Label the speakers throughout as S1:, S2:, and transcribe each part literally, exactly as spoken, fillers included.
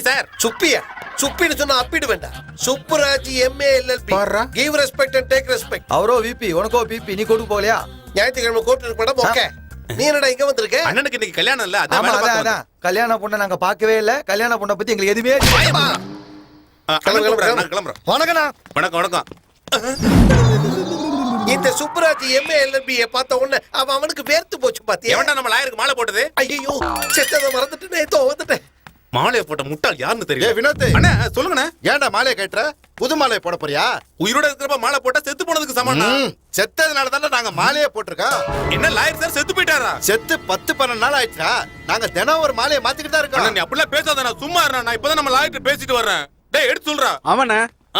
S1: Sir.
S2: Subbiah? சுப்பின்னு சொன்னா அப்பிடு வேண்டாம். Subburaj MA LLB. Give respect and take respect.
S3: அவரோ விபி, உனக்கோ பிபி. நீ கொடு போலையா?
S2: ஞாயிற்றுக்கிழமை கோர்ட் இருக்கு மேடம். ஓகே. நீ என்னடா இங்க வந்திருக்க?
S1: அண்ணனுக்கு இன்னைக்கு கல்யாணம் இல்ல, அதான்
S3: ஆமா,
S1: வேலை
S3: அதான்
S1: பார்க்க
S3: அதான். கல்யாண பொண்ணை நாங்க பார்க்கவே இல்ல. கல்யாண பொண்ணை பத்தி எங்களுக்கு எதுவுமே
S1: வந்தேன்.
S2: கிளம்பு,
S1: அண்ணன்
S2: கிளம்பு,
S1: கூப்பிடுறாரு, நான் கிளம்புறேன்.
S3: வணக்கண்ணா.
S1: வணக்கம் வணக்கம்.
S2: இந்த சுப்புராஜ் எம்ஏ எல்எல்பி பார்த்த உடனே அவன் அவனுக்கு வேர்த்து போச்சு பாத்தியா?
S1: எவன்டா நம்ம லாயருக்கு மாலை போட்டது?
S2: ஐயோ செத்ததை மறந்துட்டு ஏதோ வந்துட்டேன்.
S1: மாலையை போட்ட முட்டாள் யாருன்னு
S4: ஏ
S1: தெரியல.
S4: வினோத்,
S1: அண்ணா சொல்லுங்கண்ணே.
S4: ஏன்டா மாலையை கட்டுற? புது மாலையை போட போறியா?
S1: உயிரோட இருக்கிறப்ப மாலை போட்டா செத்து போனதுக்கு சமானா?
S4: ம், செத்ததுனால தானே நாங்க மாலையை போட்டிருக்கோம்.
S1: என்ன லாயர் சார் செத்து போயிட்டாரா?
S4: செத்து பத்து பன்னெண்டு நாள் ஆயிடுச்சா? நாங்க தினம் ஒரு மாலையை மாத்திக்கிட்டு தான்
S1: அண்ணா
S4: இருக்கோம்.
S1: நீ அப்படிலாம் பேசாத, நான் சும்மா இருறேன். நான் இப்பதான் நம்ம லாயர்கிட்ட பேசிட்டு வர்றேன். டேய் எடுத்து சொல்றா.
S5: அவன
S1: ஆ.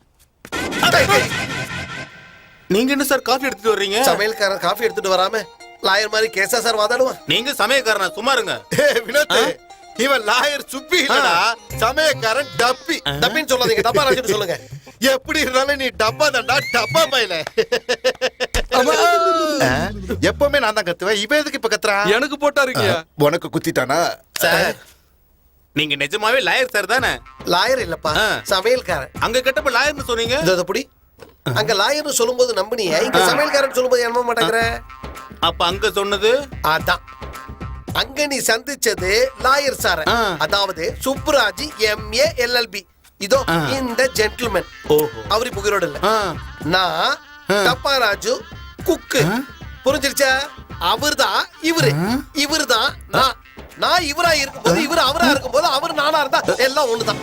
S1: நீங்க என்ன சார் காஃபி எடுத்துட்டு வர்றீங்க?
S2: சமையல்காரன் காஃபி எடுத்துட்டு வராம லாயர் மாதிரி கேஸா சார் வாதாடுவான்?
S1: நீங்க சமயக்காரனா? சும்மா இருங்க.
S4: ஏ வினோத், இவன் லாயர் சுப்பி இல்லடா, சமயக்காரன் டப்பி.
S2: தப்பின்னு சொல்லாதீங்க, தப்பா ராஜுன்னு சொல்லுங்க.
S4: எப்படி இருந்தாலும் நீ டப்பா தான்டா, டப்பா பையல. எப்பவுமே நான் தான் கத்துவேன், இவன் எதுக்கு இப்ப கத்துறான்?
S5: எனக்கு போட்டா இருக்கியா?
S4: உனக்கு குத்திட்டானா?
S1: சார் நீங்க நிஜமாவே லாயர் சார் தானே?
S2: லாயர் இல்லப்பா,
S1: ஆ.
S2: சமையல்காரன்.
S1: அங்க கேட்டப்ப லாயர்னு சொன்னீங்க.
S2: இதோ புடி. அங்க லாயர்னு சொல்லும்போது நம்பினியே, இங்க சமையல்காரன் சொல்லும்போது நம்ப மாட்டேங்கிற.
S1: அப்ப அங்க சொன்னது
S2: அதான் அங்க நீ சந்திச்சது லாயர் சார்,
S1: ஆ.
S2: அதாவது சுப்புராஜ் எம்ஏ எல்எல்பி. இதோ
S1: ஆ.
S2: இந்த ஜென்டில்மேன்.
S1: ஓஹோ.
S2: அவரு புகிரோடு இல்ல.
S1: ஆ.
S2: நான் டப்பா ராஜு குக்கு. புரிஞ்சிருச்சா? அவர்தான் இவரு, இவர்தான் நான். நான் இவரா இருக்கும்போது இவரு அவரா இருக்கும்போது அவர் நானா இருந்தா எல்லாம் ஒண்ணுதான்.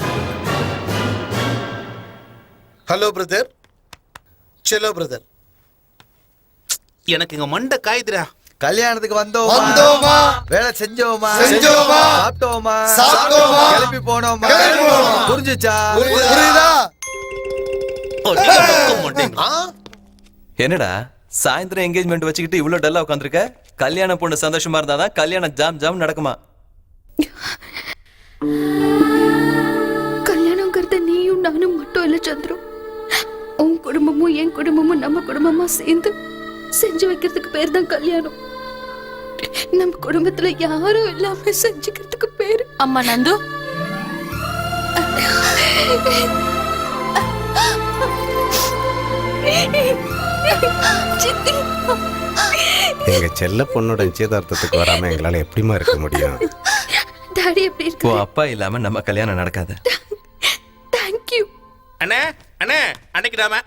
S2: ஹலோ பிரதர், செலோ பிரதர்.
S1: எனக்கு இங்க மண்டை காயுதுடா.
S3: கல்யாணத்துக்கு வந்தோமா,
S4: வந்தோமா,
S3: வேலை செஞ்சோமா,
S4: செஞ்சோமா,
S3: சாப்பிட்டோமா,
S4: சாப்பிட்டோமா,
S3: கிளம்பி போனோமா.
S4: கிளம்பி போனோமா.
S3: புரிஞ்சுச்சா?
S4: புரியுதா?
S1: ஓ, நீங்க பக்கம் மாட்டீங்க.
S2: ஆ,
S6: என்னடா சாயந்தரம் என்கேஜ்மெண்ட் வச்சுக்கிட்டு இவ்வளவு டல்லா உட்காந்துருக்க? கல்யாண பொண்ணு சந்தோஷமா இருந்தாதான் கல்யாணம் ஜாம் ஜாம் நடக்குமா?
S7: கல்யாணங்கிறது நீயும் நானும் மட்டும் இல்ல சந்திரு. உன் குடும்பமும் என் குடும்பமும் நம்ம குடும்பமா சேர்ந்து செஞ்சு வைக்கிறதுக்கு பேர் தான் கல்யாணம். நம்ம குடும்பத்துல யாரும் இல்லாம செஞ்சுக்கிறதுக்கு பேரு.
S8: அம்மா நந்து,
S7: சித்தி,
S5: எங்க செல்ல பொண்ணோட நிச்சயதார்த்தத்துக்கு வராம எங்களால எப்படிமா இருக்க முடியும்?
S7: டாடி எப்படி
S6: ஓ
S7: இருக்கு?
S6: அப்பா இல்லாம நம்ம கல்யாணம் நடக்காது.
S7: தேங்க்யூ.
S1: அண்ணே அண்ணே அன்னைக்கு நாம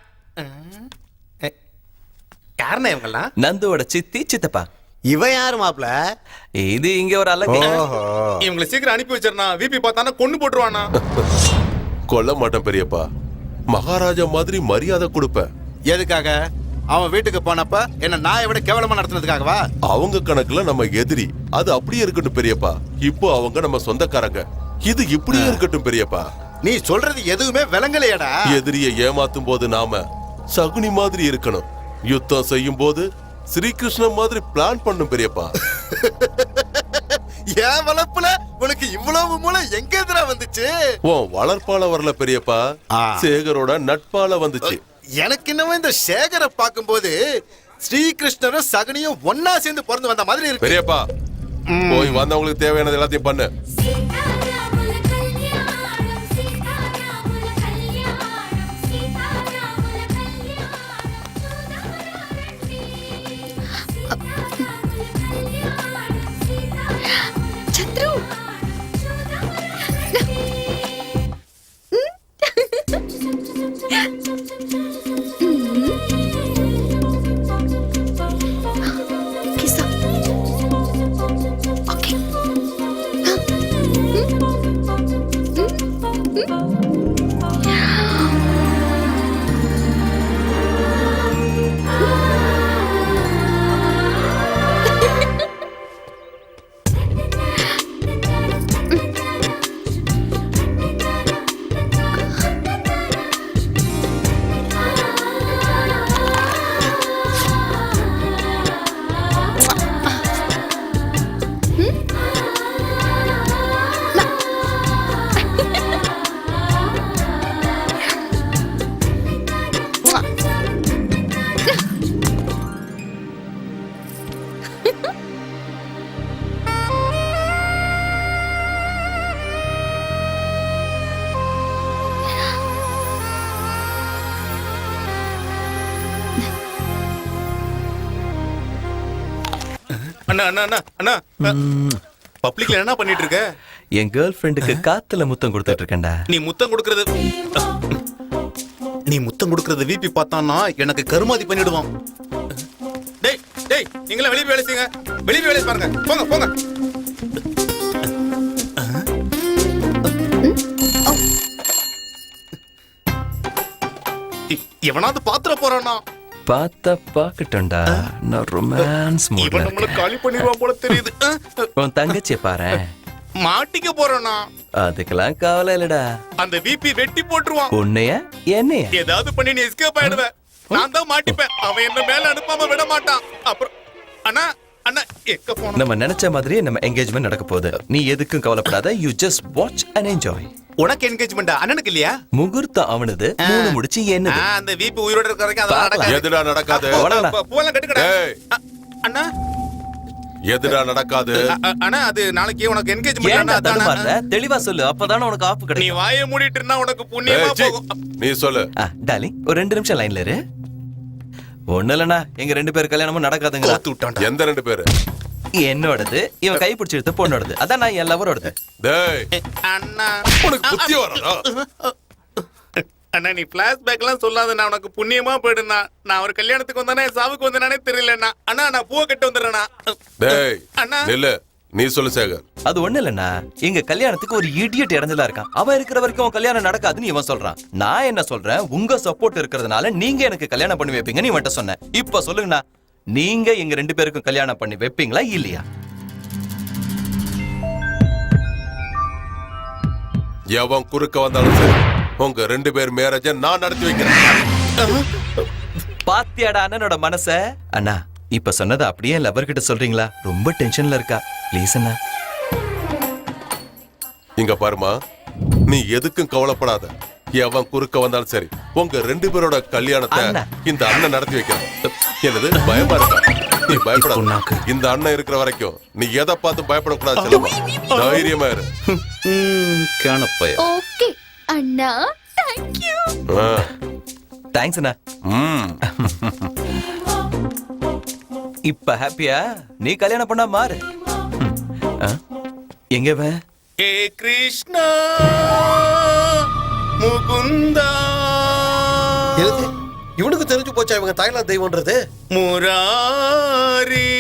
S1: யாருண்ணே இவங்கெல்லாம்?
S6: நந்துவோட சித்தி சித்தப்பா.
S5: இவன் யாரு மாப்ள?
S6: இது இங்க ஒரு அழகு.
S5: ஓஹோ,
S1: இவங்களை சீக்கிரம் அனுப்பி வச்சிருந்தா விபி பார்த்தானா கொண்டு போட்டுருவானா?
S9: கொல்ல மாட்டேன் பெரியப்பா. மகாராஜா மாதிரி மரியாதை கொடுப்பேன்.
S4: எதுக்காக? அவன் வீட்டுக்கு போனப்ப என்ன நாயை விட கேவலமா நடத்துனதுக்காகவா?
S9: அவங்க கணக்குல நம்ம எதிரி. அது அப்படியே இருக்கட்டும் பெரியப்பா. இப்போ அவங்க நம்ம சொந்தக்காரங்க. இது இப்படியே இருக்கட்டும் பெரியப்பா.
S4: நீ சொல்றது எதுவுமே விளங்கலையடா.
S9: எதிரியை ஏமாத்தும் போது நாம சகுனி மாதிரி இருக்கணும். யுத்தம் செய்யும் போது ஸ்ரீகிருஷ்ணன் மாதிரி பிளான் பண்ணும் பெரியப்பா.
S4: என் வளர்ப்புல உனக்கு இவ்வளவு மூளை எங்க எதிரா வந்துச்சு?
S9: உன் வளர்ப்பால வரல பெரியப்பா,
S4: ஆ.
S9: சேகரோட நட்பால வந்துச்சு.
S4: எனக்கு இன்னமும் இந்த சேகரை பார்க்கும்போது ஸ்ரீகிருஷ்ணரும் சகுனியும் ஒன்னா சேர்ந்து பிறந்து வந்த மாதிரி இருக்கு.
S9: பெரியப்பா போய் வந்தவங்களுக்கு தேவையானது எல்லாத்தையும் பண்ணு.
S7: சந்திரு, கிசா. ஓகே.
S1: அண்ணா அண்ணா அண்ணா அண்ணா பப்ளிக்ல என்ன பண்ணிட்டு இருக்க?
S6: என் கேர்ள் ஃப்ரெண்டுக்கு காத்துல முத்தம் கொடுத்துட்டு இருக்கேன்டா.
S1: நீ முத்தம் கொடுக்கறது நீ முத்தம் கொடுக்கறது விபி பார்த்தான்னா எனக்கு கருமாதி பண்ணிடுவான். டேய் டேய் நீங்களே வெளியே வேலை செய்யுங்க, வெளியே வேலை பாருங்க, போங்க போங்க. எவனாவது பாத்திர போறானா?
S6: பார்த்தா பாக்கட்டும்டா, நான் ரொமான்ஸ்
S1: இவன்
S6: மூட்ல
S1: நம்மள
S6: இருக்கேன்.
S1: காலி பண்ணிடுவான் போல தெரியுது.
S6: உன் தங்கச்சியை பாரு,
S1: மாட்டிக்க போறானா?
S6: அதுக்கெல்லாம் கவலை இல்லடா.
S1: அந்த விபி வெட்டி போட்டுருவான்.
S6: உன்னைய என்னைய
S1: ஏதாவது பண்ணி நீ எஸ்கேப் ஆயிடுவேன். நான் தான் மாட்டிப்பேன். அவன் என்ன மேல அனுப்பாம விட மாட்டான். அப்புறம் அண்ணா அண்ணா எக்க போன
S6: நம்ம நினைச்ச மாதிரியே நம்ம என்கேஜ்மெண்ட் நடக்க போகுது. நீ எதுக்கும் கவலைப்படாத. You just watch and enjoy.
S1: உனக்கு என்கேஜ்மெண்ட் அண்ணனுக்கு இல்லையா?
S6: முகூர்த்தம் அவனது, மூணு முடிச்சு என்னது.
S1: ஆ, அந்த விபி உயிரோட இருக்க வரைக்கும் அதெல்லாம்
S6: பார்க்கலாம்.
S1: நடக்காது.
S9: எதுடா நடக்காது?
S6: போடா.
S1: பூ- பூவெல்லாம் கட்டுக்கடா.
S9: டேய்.
S1: அ- அண்ணா
S9: எதுடா நடக்காது?
S1: அ- அ- அண்ணா அது நாளைக்கு உனக்கு
S6: ஏன்டா
S1: என்கேஜ்மெண்ட்.
S6: தடுமாறுற? தெளிவா சொல்லு, அப்பதானே உனக்கு ஆப்பு
S1: நீ
S6: கிடைக்கும்.
S1: வாயை மூடிட்டு இருந்தா உனக்கு புண்ணியமா
S9: ஏய், சீ.
S1: போகும்.
S9: நீ சொல்லு.
S6: ஆ, டார்லிங், ஒரு ரெண்டு நிமிஷம் லைன்ல இரு. ஒண்ணு இல்லண்ணா, எங்க ரெண்டு பேர் கல்யாணமும் நடக்காதுங்களா?
S1: கோத்து விட்டான்டா.
S9: எந்த ரெண்டு பேரு?
S6: என்னோடது, இவன் கை பிடிச்சி எடுத்து பொண்ணோடது. அதான் நான் என் லவரோடது.
S9: டேய்,
S1: அண்ணா
S9: உனக்கு புத்தி வராதா?
S1: அண்ணா நீ பிளாஷ்பேக் எல்லாம் சொல்லாத. நான் உனக்கு புண்ணியமா போயிடுனா. நான் ஒரு கல்யாணத்துக்கு வந்தானே சாவுக்கு வந்தானே தெரியலண்ணா. அண்ணா நான் பூவை கட்டு வந்துடுறேண்ணா.
S9: டேய்,
S1: அண்ணா.
S9: நில்லு. நீ சொல்லு சேகர்.
S6: அது ஒண்ணு இல்லண்ணா, எங்க கல்யாணத்துக்கு ஒரு இடியட் இறஞ்சலா இருக்கான். அவன் இருக்கிற வரைக்கும் உன் கல்யாணம் நடக்காதுன்னு இவன் சொல்றான். நான் என்ன சொல்றேன், உங்க சப்போர்ட் இருக்கிறதுனால நீங்க எனக்கு கல்யாணம் பண்ணி வைப்பீங்கன்னு இவன்ட்ட சொன்னேன். இப்ப சொல்லுங்கண்ணா, நீங்க எங்க ரெண்டு பேருக்கும் கல்யாணம் பண்ணி வைப்பீங்களா இல்லையா?
S9: எவன் குறுக்க வந்தாலும் சரி, உங்க ரெண்டு பேர் மேரேஜ நான் நடத்தி வைக்கிறேன்.
S6: பாத்தியாடா அண்ணனோட மனச. அண்ணா இப்ப சொன்னதை அப்படியே லவர் கிட்ட சொல்றீங்களா? ரொம்ப டென்ஷன்ல இருக்கா. ப்ளீஸ் அண்ணா.
S9: இங்க பாருமா, நீ எதுக்கும் கவலைப்படாத. எவன் குறுக்க வந்தாலும் சரி, உங்க ரெண்டு பேரோட கல்யாணத்தை
S6: அண்ணா.
S9: இந்த அண்ணன் நடத்தி வைக்கிறான். என்னது பயமா இருக்கா? நீ பயப்படாத. இந்த அண்ணன் இருக்கிற வரைக்கும் நீ எதை பார்த்து பயப்படக்கூடாது. செல்லம்மா, தைரியமா இரு.
S6: காணப்பய.
S7: ஓகே அண்ணா, தேங்க் யூ.
S9: ஆ.
S6: தேங்க்ஸ் அண்ணா.
S9: ம்.
S6: இப்ப ஹாப்பியா? நீ கல்யாணம் பண்ணா மாறு. ம். ஆ? எங்க வே?
S1: ஏ கிருஷ்ணா முகுந்தா
S2: எழுது. இவனுக்கு தெரிஞ்சு போச்சா இவங்க தாய்லாந்து தெய்வம்ன்றது?
S1: முராரி.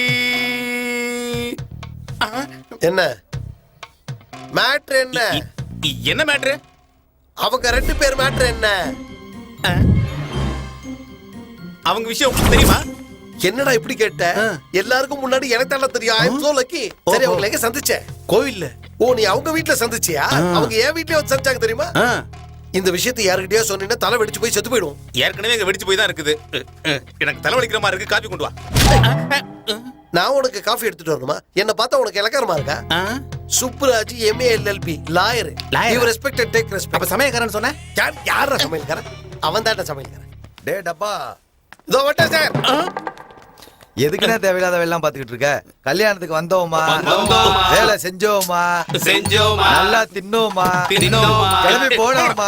S1: ஆ,
S2: என்ன மேட்ரு? என்ன
S1: இ- இ- என்ன மேட்ரு?
S2: அவங்க ரெண்டு பேர் மேட்ரு என்ன?
S1: அவங்க விஷயம் உங்களுக்கு தெரியுமா?
S2: என்னடா இப்படி கேட்ட? எல்லாருக்கும் முன்னாடி எனக்கு தானே தெரியும். I am so lucky. சரி, அவங்களை எங்க சந்திச்ச?
S1: கோவில்ல.
S2: ஓ, நீ அவங்க வீட்ல சந்திச்சியா? அவங்க என் வீட்லயே வந்து சந்திச்சாங்க தெரியுமா? இந்த விஷயத்தை யாருக்கிட்டயா சொன்னீங்கன்னா தலை வெடிச்சு போய் செத்து போயிடும்.
S1: ஏற்கனவே இங்க வெடிச்சு போய் தான் இருக்குது. எனக்கு தலைவலிக்கிற மாதிரி இருக்கு. காபி கொண்டு வா.
S2: நான் உனக்கு காஃபி எடுத்துட்டு வரணுமா? என்ன பார்த்தா உனக்கு இலக்காரமா இருக்கா? Subburaj MA LLB lawyer. You respect and take respect.
S1: அப்ப சமயக்காரன் சொன்ன?
S2: யார் யாரா சமையல்காரன்? அவன் தான்டா சமையல்காரன்.
S3: டே டப்பா,
S2: இதோ வட்டேன் சார்.
S3: எதுக்குன்னா தேவையில்லாத வேலைலாம் பாத்துக்கிட்டு இருக்க? கல்யாணத்துக்கு வந்தோமா, வேலை செஞ்சோமா,
S1: செஞ்சோமா,
S3: நல்லா தின்னோமா,
S1: தின்னோமா,
S3: கிளம்பி போனோமா.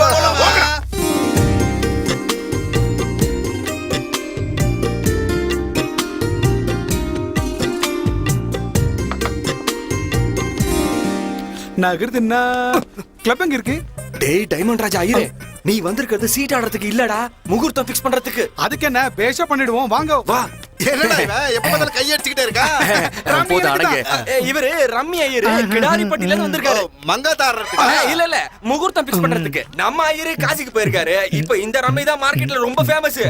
S8: நகருதுன்னா கிளப் எங்க இருக்கு?
S10: டேய் டைமண்ட் ராஜா ஐயரே, நீ வந்திருக்கிறது சீட் ஆடுறதுக்கு இல்லடா, முகூர்த்தம் ஃபிக்ஸ் பண்றதுக்கு.
S8: அதுக்கு என்ன, பேஷா பண்ணிடுவோம், வாங்க.
S10: வா.
S2: என்னடா இவன் எப்ப பார்த்தாலும் கையடிச்சுக்கிட்டே இருக்கா?
S10: போது அடங்க. இவரு ரம்மி ஐயரு கிடாரிப்பட்டில இருந்து வந்திருக்காரு.
S2: மங்காதாரத்துக்கு
S10: இல்ல இல்ல, முகூர்த்தம் ஃபிக்ஸ் பண்றதுக்கு. நம்ம ஐயரு காசிக்கு போயிருக்காரு. இப்போ இந்த ரம்மி தான் மார்க்கெட்ல ரொம்ப ஃபேமஸ்.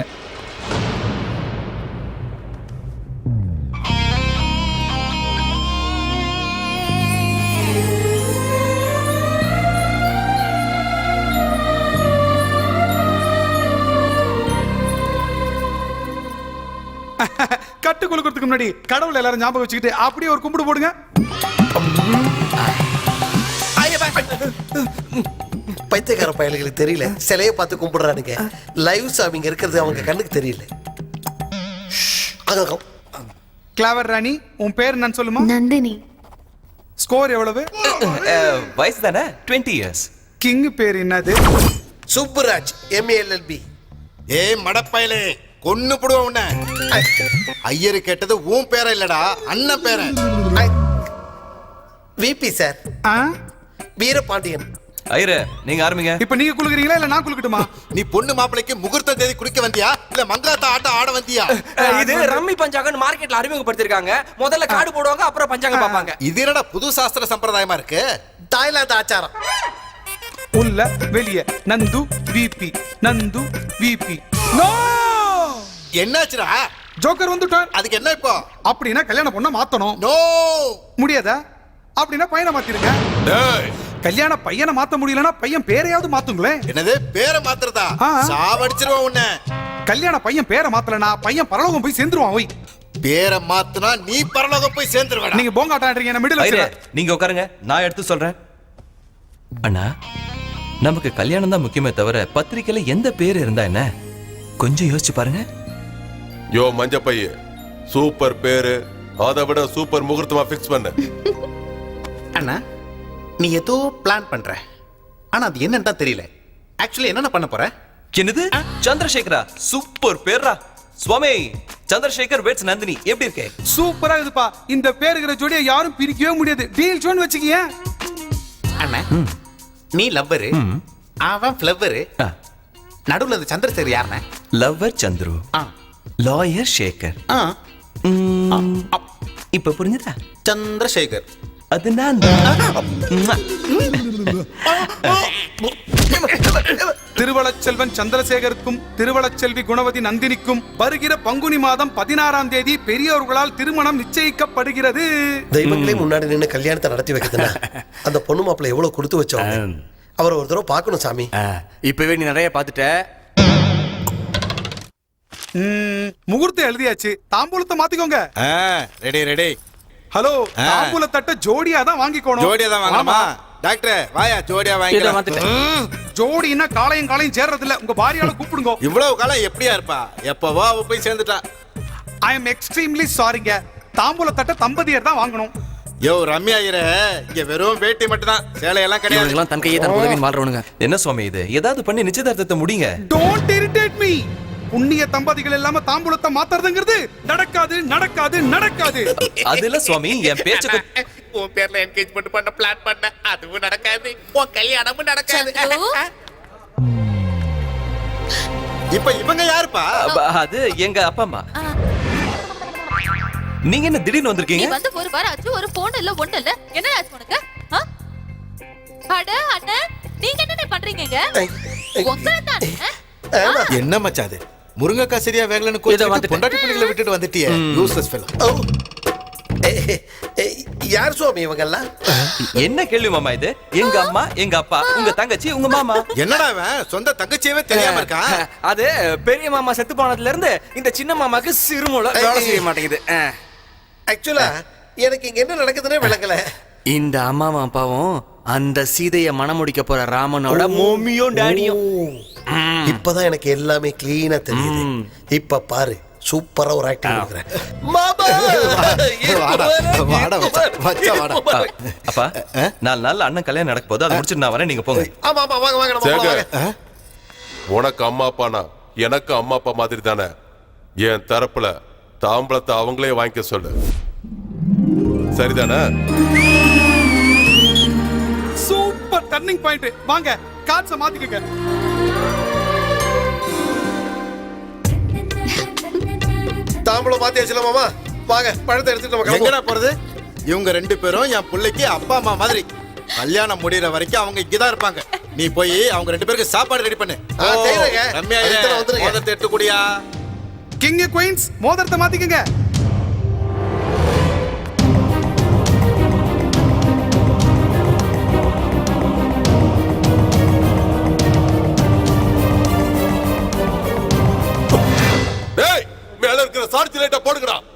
S8: கட்டு கொடுக்கறதுக்கு முன்னாடி கடவுள் எல்லாரும் ஞாபகம் வச்சுக்கிட்டு அப்படியே ஒரு கும்பிடு போடுங்க.
S2: பைத்தியக்கார பயல்களுக்கு தெரியல, சிலையை பார்த்து கும்பிடுறானுங்க. லைவ் சாமிங்க இருக்கிறது அவங்க கண்ணுக்கு தெரியல. அங்க
S8: கிளாவர் ராணி, உன் பேர் என்னன்னு சொல்லுமா?
S7: நந்தினி.
S8: ஸ்கோர் எவ்வளவு?
S6: வயசு தானே? Twenty years.
S8: கிங் பேர் என்னது?
S2: Subburaj MA LLB.
S4: ஏய் மடப்பயலே, கொன்னு புடுவ உன்னை. ஐயரு கேட்டது உன் பேர இல்லடா அண்ணன் பேர.
S2: விபி சார்,
S8: ஆ?
S2: வீரபாண்டியன்.
S6: ஐயரே நீங்க ஆரம்பிங்க.
S8: இப்ப நீங்க குளுக்குறீங்களா இல்ல நான் குளுக்கட்டுமா?
S4: நீ பொண்ணு மாப்பிளைக்கு முகூர்த்த தேதி குடிக்க வந்தியா இல்ல மங்காத்தா ஆட்டம் ஆட வந்தியா?
S10: இது ரம்மி பஞ்சாங்கன்னு மார்க்கெட்ல அறிமுகப்படுத்திருக்காங்க. முதல்ல கார்டு போடுவாங்க, அப்புறம் பஞ்சாங்க பாப்பாங்க.
S4: இது என்னடா புது சாஸ்திர சம்பிரதாயமா இருக்கு?
S2: தாய்லாந்து ஆச்சாரம்.
S8: உள்ள வெளிய Nandu VP Nandu VP. No!
S4: என்னாச்சுடா?
S8: ஜோக்கர் வந்துட்டார்.
S4: அதுக்கு என்ன இப்போ?
S8: அப்படினா கல்யாணம் பொண்ண மாத்தணும்.
S4: நோ!
S8: முடியாதா? அப்படினா பையனை மாத்திருங்க.
S9: டேய்
S8: கல்யாண பையனை மாத்த முடியலனா பையன் பேரையாவது மாத்துங்களே.
S4: என்னது பேரை மாத்துறதா?
S8: ஆ.
S4: சாவடிச்சிருவான் உன்னை.
S8: கல்யாண பையன் பேரை மாத்தலனா பையன் பரலோகம் போய் சேர்ந்துருவான். ஓய்,
S4: பேரை மாத்துனா நீ பரலோகம் போய் சேர்ந்துருவடா.
S8: நீங்க போங்காட்டான்றீங்க, என்ன மிடில்
S6: ஐயரே
S8: வச்சிருங்க.
S6: நீங்க உட்காருங்க, நான் எடுத்து சொல்றேன். அண்ணா, நமக்கு கல்யாணம் தான் முக்கியமே தவிர பத்திரிக்கையில எந்த பேர் இருந்தா என்ன? கொஞ்சம் யோசிச்சு பாருங்க.
S9: யோ மஞ்ச பைய சூப்பர் பேரு, அதை விட சூப்பர் முகூர்த்தமா ஃபிக்ஸ் பண்ணு.
S1: அண்ணா நீ ஏதோ பிளான் பண்ற, ஆனா அது என்னன்னு தான் தெரியல. ஆக்சுவலி என்னென்ன பண்ண போற?
S6: என்னது சந்திரசேகரா? சூப்பர் பேரா. சுவாமி சந்திரசேகர் வெட்ஸ் நந்தினி எப்படி இருக்கே?
S8: சூப்பரா இருக்குப்பா. இந்த பேருகிற ஜோடியை யாரும் பிரிக்கவே முடியாது. Deal zone வச்சுக்கிய.
S1: அண்ணா நீ லவ்வரு, அவன் ஃப்ளவரு, நடுவுல இந்த சந்திரசேகர் யாருண்ணே?
S6: லவ்வர் சந்துரு,
S1: ஆ.
S6: லாயர் சேகர்.
S1: ஆ,
S6: ம், இப்ப புரிஞ்சுதா?
S1: சந்திரசேகர்.
S6: அது நான் தான்.
S8: திருவளச்செல்வன் சந்திரசேகருக்கும் திருவளச்செல்வி குணவதி நந்தினிக்கும் வருகிற பங்குனி மாதம் பதினாறாம் தேதி பெரியோர்களால் திருமணம் நிச்சயிக்கப்படுகிறது.
S2: தெய்வங்களே முன்னாடி நின்று கல்யாணத்தை நடத்தி வைக்கிறதுனா அந்த பொண்ணு மாப்பிள்ளை எவ்வளவு கொடுத்து வச்சோம். அவரை ஒரு தடவை பார்க்கணும் சாமி.
S10: இப்பவே நீ நிறைய பாத்துட்ட.
S8: ம், முகூர்த்தம் எழுதியாச்சு. தாம்பூலத்தை மாத்திக்கோங்க.
S4: Ready ready.
S8: ஹலோ, தாம்பூல தட்ட ஜோடியா தான் வாங்கிக்கணும்.
S4: ஜோடியா தான் வாங்கணுமா?
S8: ஆமா.
S4: டாக்டர் வாயா ஜோடியா
S10: இதை
S4: வாங்கிக்கலாம்.
S10: மாத்திட்டேன்.
S8: ஜோடினா காலையும் காலையும் சேர்றது இல்ல. உங்க பாரியால கூப்பிடுங்க.
S4: இவ்வளவு காலம் எப்படியா இருப்பா? எப்பவோ அவ போய் சேர்ந்துட்டா.
S8: ஐ எம் எக்ஸ்ட்ரீம்லி சாரிங்க. தாம்பூல தட்ட தம்பதியர் தான் வாங்கணும்.
S4: யோ ரம்யா ஐயரே, இங்க வெறும் வேட்டி மட்டும் தான், சேலையெல்லாம் கிடையாது.
S10: இவனுங்கெல்லாம் தன் கையே தன் உதவின்னு வாழ்றவனுங்க.
S6: என்ன சுவாமி இது? ஏதாவது பண்ணி நிச்சயதார்த்தத்தை முடிங்க.
S8: Don't irritate me. புண்ணிய தம்பதிகள் இல்லாம தாம்பூலத்தை மாத்துறதுங்கிறது நடக்காது நடக்காது நடக்காது.
S6: அது இல்ல சுவாமி, என் பேச்சுக்கு
S1: உன் பேர்ல என்கேஜ்மெண்ட் பண்ண பிளான் பண்ண, அதுவும் நடக்காது. உன் கல்யாணமும் நடக்காது.
S4: இப்ப இவங்க யாருப்பா?
S6: அப்ப அது எங்க அப்பா அம்மா. நீங்க என்ன திடீர்னு வந்திருக்கீங்க?
S7: நீ வந்து ஒரு வாரம் ஆச்சு, ஒரு போன் இல்ல ஒண்ணு இல்ல. என்ன ஆச்சு உனக்கு? ஆ? அட அண்ணா, நீங்க என்ன பண்றீங்க? உங்களை தானே?
S4: என்ன மச்சாது? முருங்கக்காய் சரியா வேகலன்னு கோச்சிட்டு பொண்டாட்டி பிள்ளைகளை விட்டுட்டு வந்துட்டியே. Useless fellow.
S2: யார் சுவாமி இவங்க எல்லாம்?
S6: என்ன கேள்வி மாமா இது? எங்க அம்மா, எங்க அப்பா, உங்க தங்கச்சி, உங்க மாமா.
S4: என்னடா இவன் சொந்த தங்கச்சியவே தெரியாம இருக்கான்?
S10: அது பெரிய மாமா செத்து போனதுல இருந்து இந்த சின்ன மாமாக்கு சிறுமூளை வேலை செய்ய மாட்டேங்குது.
S2: ஆக்சுவலா எனக்கு இங்க என்ன நடக்குதுன்னே விளங்கல.
S10: இந்த அம்மாவும் அப்பாவும் அந்த சீதைய மணமுடிக்க போற ராமனோட மம்மியும் டாடியும்.
S2: இப்பதான் எனக்கு எல்லாமே கிளீனா தெரியுது. இப்ப பாரு, சூப்பரா ஒரு ஆக்டிங் கொடுக்குறேன். மாமா
S4: வாடா வாடா மச்சான், மச்சா வாடா.
S6: அப்பா, நாலு நாள் அண்ணன் கல்யாணம் நடக்க போது, அதை முடிச்சுட்டு நான் வரேன், நீங்க போங்க.
S2: ஆமா ஆமா வாங்க வாங்க நம்ம
S9: சேகர்,
S2: வாங்க.
S9: உனக்கு அம்மா அப்பானா எனக்கு அம்மா அப்பா மாதிரி தானே. என் தரப்புல தாம்பளத்தை அவங்களே வாங்கிக்க சொல்லு, சரிதானே?
S8: Super turning point. வாங்க காட்ஸ மாத்திக்கங்க.
S2: தாம்பூலம் மாத்தியாச்சுல மாமா. வாங்க பழத்தை எடுத்துட்டு நம்ம கிளம்புவோம்.
S4: எங்கடா போறது? இவங்க ரெண்டு பேரும் என் பிள்ளைக்கு அப்பா அம்மா மாதிரி. கல்யாணம் முடியற வரைக்கும் அவங்க இங்கதான் இருப்பாங்க. நீ போய் அவங்க ரெண்டு பேருக்கு சாப்பாடு ரெடி பண்ணு.
S2: ஆ, செய்றேங்க.
S4: ரம்யா
S2: அதுக்கு தான் வந்துருங்க.
S4: மோதிரத்தை எடுத்து குடியா.
S8: கிங் குயின்ஸ் மோதிரத்தை மாத்திக்கங்க.
S9: டேய், மேல இருக்கிற சார்ஜ் லைட்ட போடுங்கடா.